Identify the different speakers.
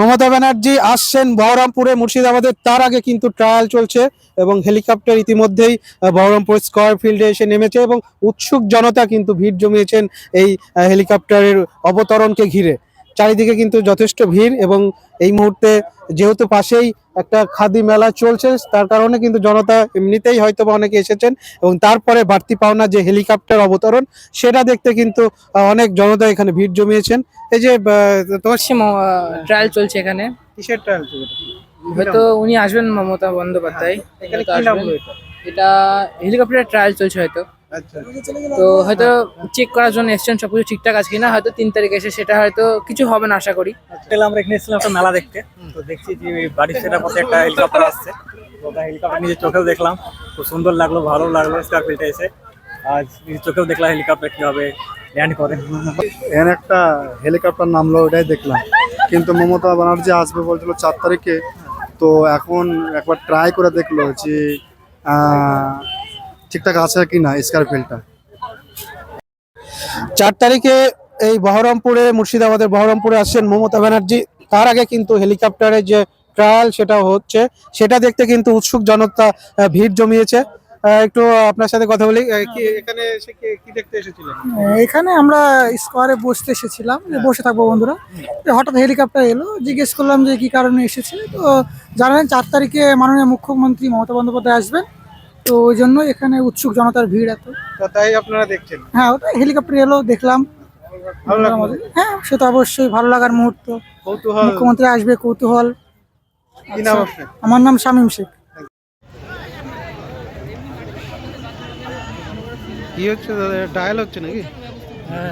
Speaker 1: মমতা ব্যানার্জি আসছেন বহরমপুরে মুর্শিদাবাদের, তার আগে কিন্তু ট্রায়াল চলছে এবং হেলিকপ্টার ইতিমধ্যেই বহরমপুর স্কয়ার ফিল্ডে এসে নেমেছে এবং উৎসুক জনতা কিন্তু ভিড় জমিয়েছেন এই হেলিকপ্টারের অবতরণকে ঘিরে। চারিদিকে কিন্তু যথেষ্ট ভিড় এবং এই মুহূর্তে যেহেতু পাশেই একটা খাদি মেলা চলছে, তার কারণে কিন্তু জনতা এমনিতেই হয়তো বা অনেকে এসেছেন এবং তারপরে বাড়তি পাওনা যে হেলিকপ্টার অবতরণ সেটা দেখতে কিন্তু অনেক জনতা এখানে ভিড় জমিয়েছেন। এই যে তোমার
Speaker 2: ট্রায়াল চলছে এখানে।
Speaker 1: কিসের ট্রায়াল চলছে?
Speaker 2: হয়তো উনি আসবেন, মমতা বন্দ্যোপাধ্যায়।
Speaker 1: এখানে
Speaker 2: হয়তো
Speaker 1: কি নাম
Speaker 2: আসবেন।
Speaker 1: এটা?
Speaker 2: এটা হেলিকপ্টারের ট্রায়াল চলছে হয়তো।
Speaker 1: আচ্ছা,
Speaker 2: তো হয়তো চেক করার জন্য এসছেন সবকিছু ঠিকঠাক আছে কিনা, হয়তো 3 তারিখ এসে সেটা হয়তো কিছু হবে না আশা করি।
Speaker 3: হোটেলে আমরা এখানে এসেছিলাম একটা মেলা দেখতে। তো দেখছি যে বাড়ির সেটার পথে একটা হেলিকপ্টার আসছে। তো ওটা হেলিকপ্টার নিজের চোখেও দেখলাম, খুব সুন্দর লাগলো, ভালো লাগলো স্কয়ার ফিল্ডে এসে। আজ নিজের চোখেও দেখলাম হেলিকপ্টার কিভাবে ল্যান্ড করে।
Speaker 4: এখানে একটা হেলিকপ্টার নামলো, ওটাই দেখলাম। কিন্তু মমতা ব্যানার্জি আসবে বলছিল 4 তারিখে। তো এখন একবার ট্রাই করে দেখলো যে ঠিকঠাক আছে কি না স্কয়ার ফিল্ডটা।
Speaker 1: 4 তারিখে এই বহরমপুরে, মুর্শিদাবাদের বহরমপুরে আসছেন মমতা ব্যানার্জি। তার আগে কিন্তু হেলিকপ্টারের যে ট্রায়াল সেটা হচ্ছে, সেটা দেখতে কিন্তু উৎসুক জনতা ভিড় জমিয়েছে। একটু আপনার সাথে কথা বলি, কি এখানে এসে কি দেখতে এসেছিলেন?
Speaker 5: এখানে আমরা স্কোয়ারে বসতে এসেছিলাম, যে বসে থাকবো বন্ধুরা। তো হঠাৎ হেলিকপ্টার এলো, জিজ্ঞেস করলাম যে কি কারণে এসেছে। তো জানালেন 4 তারিখে মাননীয় মুখ্যমন্ত্রী মমতা বন্দ্যোপাধ্যায় আসবেন। তো ওই জন্য এখানে উৎসুক জনতার ভিড় এত।
Speaker 1: তো তাই আপনারা দেখছেন?
Speaker 5: হ্যাঁ, ওটা হেলিকপ্টার এলো, দেখলাম।
Speaker 1: ভালো লাগলো?
Speaker 5: হ্যাঁ, সে তো অবশ্যই ভালো লাগার মুহূর্ত।
Speaker 1: কৌতূহল।
Speaker 5: মুখ্যমন্ত্রী আসবে, কৌতূহল।
Speaker 1: কি নাম
Speaker 5: আচ্ছা,
Speaker 1: আপনার?
Speaker 5: আমার নাম শামীম শেখ।
Speaker 1: কি হচ্ছে দাদা, ট্রায়াল হচ্ছে নাকি?
Speaker 5: হ্যাঁ,